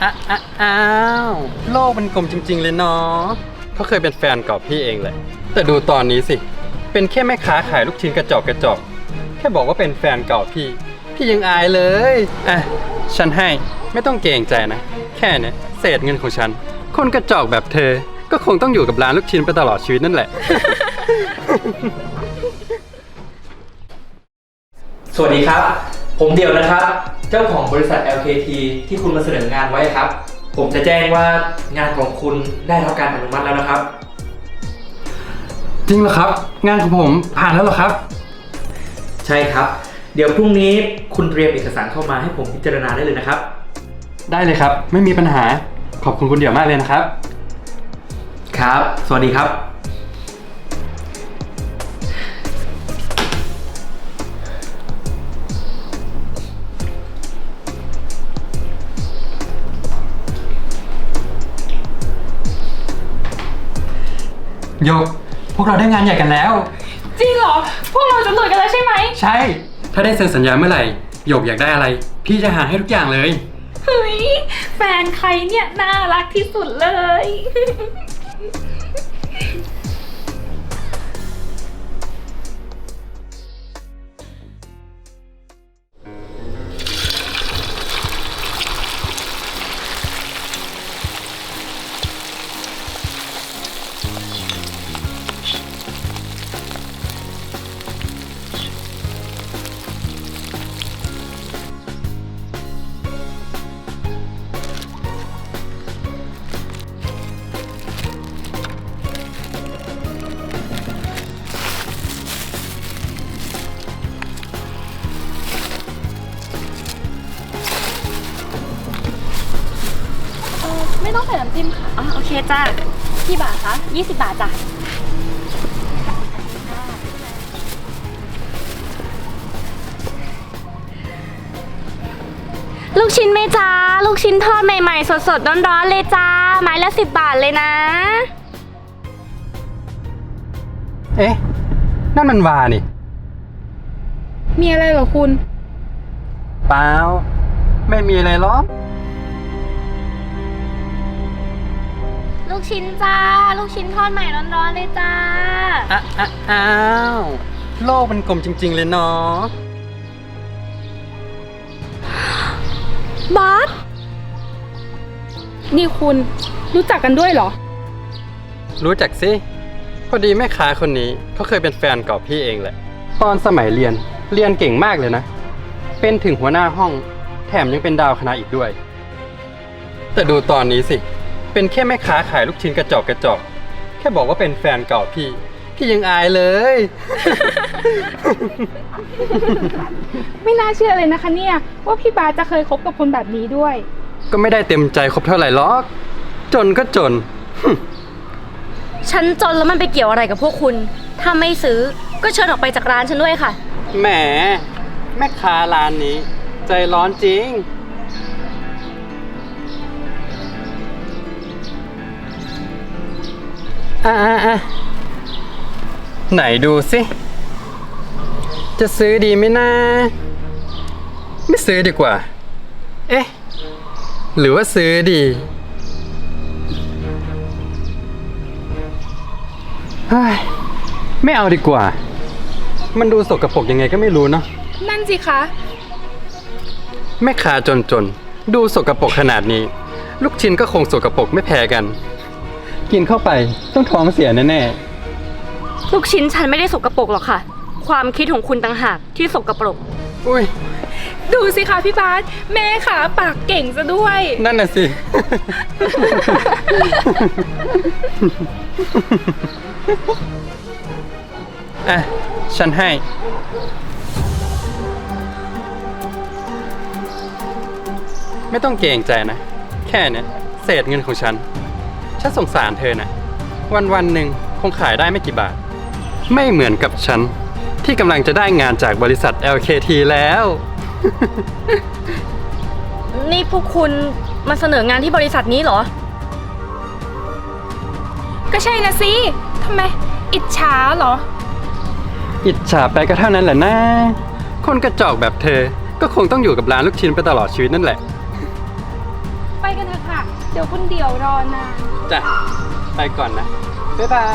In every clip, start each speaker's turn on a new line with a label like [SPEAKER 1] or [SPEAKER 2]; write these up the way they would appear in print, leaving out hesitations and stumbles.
[SPEAKER 1] อ้าวโลกมันกลมจริงๆเลยเนาะเขาเคยเป็นแฟนเก่าพี่เองแหละแต่ดูตอนนี้สิเป็นแค่แม่ค้าขายลูกชิ้นกระจอกแค่บอกว่าเป็นแฟนเก่าพี่ยังอายเลยอ่ะฉันให้ไม่ต้องเกรงใจนะแค่เนี้ยเศษเงินของฉันคนกระจอกแบบเธอก็คงต้องอยู่กับร้านลูกชิ้นไปตลอดชีวิตนั่นแหละ
[SPEAKER 2] สวัสดีครับผมเดี่ยวนะครับเจ้าของบริษัท LKT ที่คุณมาเสนองานไว้ครับผมจะแจ้งว่างานของคุณได้รับการอนุมัติแล้วนะครับ
[SPEAKER 1] จริงเหรอครับงานของผมผ่านแล้วเหรอครับ
[SPEAKER 2] ใช่ครับเดี๋ยวพรุ่งนี้คุณเตรียมเอกสารเข้ามาให้ผมพิจารณาได้เลยนะครับ
[SPEAKER 1] ได้เลยครับไม่มีปัญหาขอบคุณคุณเดี่ยวมากเลยนะครับ
[SPEAKER 2] ครับสวัสดีครับ
[SPEAKER 1] โยกพวกเราได้งานใหญ่กันแล้ว
[SPEAKER 3] จริงเหรอพวกเราจะรวยกันแล้วใช่ไหม
[SPEAKER 1] ใช่ถ้าได้เซ็นสัญญาเมื่อไหร่โยกอยากได้อะไรพี่จะหาให้ทุกอย่างเลย
[SPEAKER 3] เฮ้ยแฟนใครเนี่ยน่ารักที่สุดเลยไม่ต้องใส่น้ำจิ้มค่ะอ๋อโอเคจ้ากี่บาทคะ20 บาทจ้ะลูกชิ้นไหมจ้าลูกชิ้นทอดใหม่ๆสดๆร้อนๆเลยจ้าไม้ละ10 บาทเลยนะ
[SPEAKER 1] เอ๊ะนั่นมันวานี่
[SPEAKER 3] มีอะไรเหรอคุณ
[SPEAKER 1] เปล่าไม่มีอะไรหรอก
[SPEAKER 3] ลูกชิ้นจ้าลูกชิ้นทอดใหม่ร้อนๆเลยจ้า
[SPEAKER 1] อ้าวโลกมันกลมจริงๆเลยเนาะ
[SPEAKER 3] บาสนี่คุณรู้จักกันด้วยเหรอ
[SPEAKER 1] รู้จักสิพอดีแม่ค้าคนนี้เขาเคยเป็นแฟนเก่าพี่เองแหละตอนสมัยเรียนเก่งมากเลยนะเป็นถึงหัวหน้าห้องแถมยังเป็นดาวคณะอีกด้วยแต่ดูตอนนี้สิเป็นแค่แม่ค้าขายลูกชิ้นกระจอกแค่บอกว่าเป็นแฟนเก่าพี่ยังอายเลย
[SPEAKER 3] ไม่น่าเชื่อเลยนะคะเนี่ยว่าพี่บาสจะเคยคบกับคนแบบนี้ด้วย
[SPEAKER 1] ก็ไม่ได้เต็มใจคบเท่าไหร่หรอกจนก็จน
[SPEAKER 4] ฉันจนแล้วมันไปเกี่ยวอะไรกับพวกคุณ ถ้าไม่ซื้อก็เชิญออกไปจากร้านฉันด้วยค่ะ
[SPEAKER 1] แหมแม่ค้าร้านนี้ใจร้อนจริงไหนดูสิจะซื้อดีไหมนะไม่ซื้อดีกว่าเอ๊ะหรือว่าซื้อดีเฮ้ยไม่เอาดีกว่ามันดูสกปรกยังไงก็ไม่รู้เนาะ
[SPEAKER 3] นั่นสิคะ
[SPEAKER 1] แม่ค้าจนดูสกปรกขนาดนี้ลูกชิ้นก็คงสกปรกไม่แพ้กันกินเข้าไปต้องท้องเสียแน่
[SPEAKER 4] ลูกชิ้นฉันไม่ได้สกปรกหรอกค่ะความคิดของคุณต่างหากที่สกปรก
[SPEAKER 1] อุ้ย
[SPEAKER 3] ดูสิคะพี่บาสแม่ขาปากเก่งซะด้วย
[SPEAKER 1] นั่นน่ะสิอ่ะฉันให้ไม่ต้องเกรงใจนะแค่เนี้ยเศษเงินของฉันสงสารเธอนะวันหนึ่งคงขายได้ไม่กี่บาทไม่เหมือนกับฉันที่กำลังจะได้งานจากบริษัท LKT แล้ว
[SPEAKER 4] นี่พวกคุณมาเสนองานที่บริษัทนี้เหรอ
[SPEAKER 3] ก็ใช่นะสิทำไมอิจฉาเหรอ
[SPEAKER 1] อิจฉาไปก็เท่านั้นแหละนะคนกระจอกแบบเธอก็คงต้องอยู่กับร้านลูกชิ้นไปตลอดชีวิตนั่นแหละ
[SPEAKER 3] ไปกันเถอะค่ะ เดี๋ยวคุณเดี่ยวรอนาน
[SPEAKER 1] จ้ะ ไปก่อนนะ บ๊ายบาย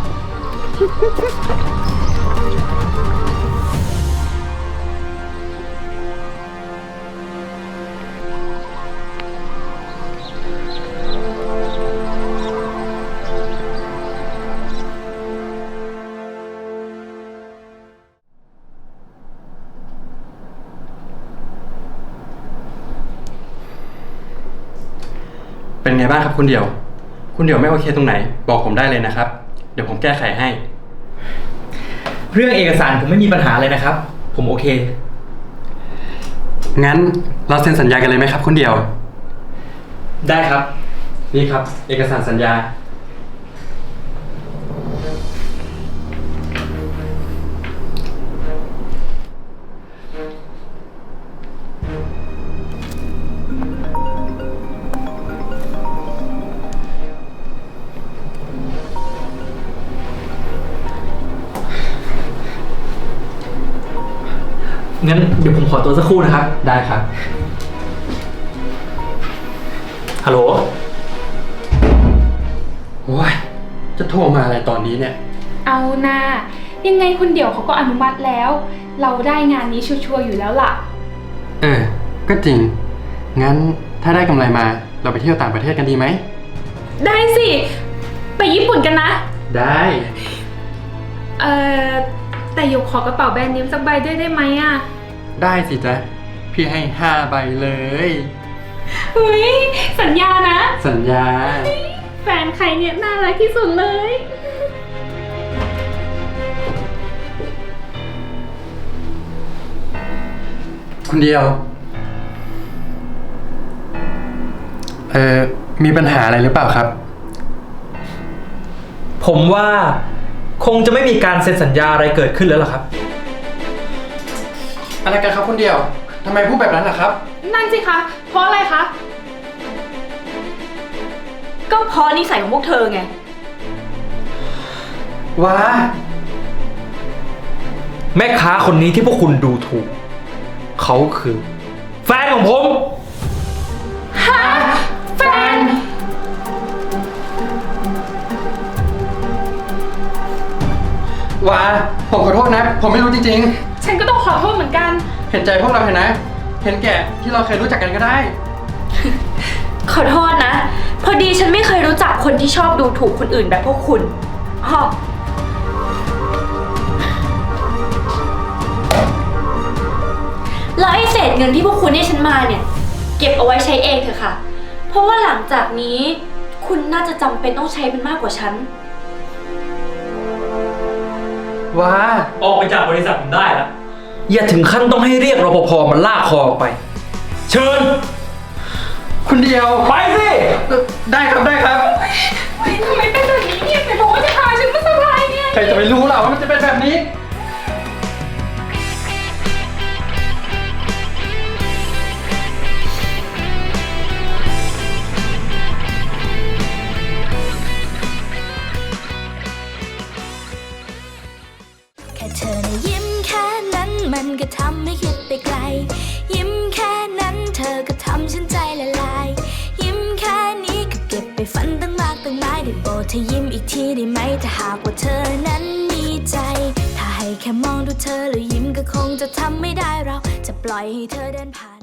[SPEAKER 1] เป็นไงบ้างครับคุณเดี่ยว คุณเดี่ยวไม่โอเคตรงไหน บอกผมได้เลยนะครับ เดี๋ยวผมแก้ไขให้
[SPEAKER 2] เรื่องเอกสารผมไม่มีปัญหาเลยนะครับ ผมโอเค
[SPEAKER 1] งั้นเราเซ็นสัญญากันเลยไหมครับคุณเดี่ยว
[SPEAKER 2] ได้ครับ
[SPEAKER 1] นี่ครับ เอกสารสัญญา
[SPEAKER 2] งั้นเดี๋ยวผมขอตัวสักครู่นะครับ
[SPEAKER 1] ได้ครับ
[SPEAKER 2] ฮัลโหล
[SPEAKER 1] โอ้ย จะโทรมาอะไรตอนนี้เนี่ย
[SPEAKER 3] เอานายังไงคุณเดี่ยวเขาก็อนุมัติแล้ว เราได้งานนี้ชัวร์ๆอยู่แล้วล่ะ
[SPEAKER 1] ก็จริง งั้นถ้าได้กำไรมา เราไปเที่ยวต่างประเทศกันดีไหม
[SPEAKER 3] ได้สิ ไปญี่ปุ่นกันนะ
[SPEAKER 1] ได้
[SPEAKER 3] แต่หยกขอกระเป๋าแบรนด์เนมสักใบด้วยได้ไหมอ่ะ
[SPEAKER 1] ได้สิจ๊ะ พี่ให้5 ใบเลย
[SPEAKER 3] เฮ้ย สัญญานะ
[SPEAKER 1] สัญญา
[SPEAKER 3] แฟนใครเนี่ยน่ารักที่สุดเลย
[SPEAKER 1] คุณเดียว มีปัญหาอะไรหรือเปล่าครับ
[SPEAKER 2] ผมว่าคงจะไม่มีการเซ็นสัญญาอะไรเกิดขึ้นแล้วล่ะครับ
[SPEAKER 1] อะไรกันครับคุณเดียว ทำไมพูดแบบนั้นล่ะครับ
[SPEAKER 3] นั่นสิคะ เพราะอะไรคะ
[SPEAKER 4] ก็เพราะนิสัยของพวกเธอไง
[SPEAKER 1] ว้า
[SPEAKER 2] แม่ค้าคนนี้ที่พวกคุณดูถูก เขาคือ แฟนของผม
[SPEAKER 3] แฟน
[SPEAKER 1] ว้า ผมขอโทษนะ ผมไม่รู้จริง
[SPEAKER 3] ฉันก็ต้องขอโทษเหมือนกัน
[SPEAKER 1] ๆ เห็นใจพวกเราเถอะนะ เห็นแก่ที่เราเคยรู้จักกันก็ได้
[SPEAKER 4] ขอโทษนะ พอดีฉันไม่เคยรู้จักคนที่ชอบดูถูกคนอื่นแบบพวกคุณฮะแล้วไอ้เศษเงินที่พวกคุณให้ฉันมาเนี่ย เก็บเอาไว้ใช้เองเถอะค่ะ เพราะว่าหลังจากนี้ คุณน่าจะจำเป็นต้องใช้มันมากกว่าฉัน
[SPEAKER 1] ว้า
[SPEAKER 2] ออกไปจากบริษัทผมได้แล้ว อย่าถึงขั้นต้องให้เรียกรปภมาลากคอออกไป เชิญ
[SPEAKER 1] คุณเดียว
[SPEAKER 2] ไปสิ
[SPEAKER 1] ได้ครับได้ครับ
[SPEAKER 3] เฮ้ยทำไมเป็นแบบนี้เนี่ยไหนบอกว่าจะพาฉันมาเซอร์ไพรส์ไง
[SPEAKER 1] ใครจะไปรู้ล่ะว่ามันจะเป็นแบบนี้
[SPEAKER 5] แค่เธอนะยิ้มแค่นั้นมันก็ทำให้คิดไปไกล ยิ้มแค่นั้นเธอก็ทำฉันใจละลาย ยิ้มแค่นี้ก็เก็บไปฝันตั้งมากตั้งหลายได้โปรดเธอยิ้มอีกทีได้ไหมถ้าหากว่าเธอนั้นมีใจ ถ้าให้แค่มองดูเธอแล้วยิ้มก็คงจะทำไม่ได้เราจะปล่อยให้เธอเดินผ่าน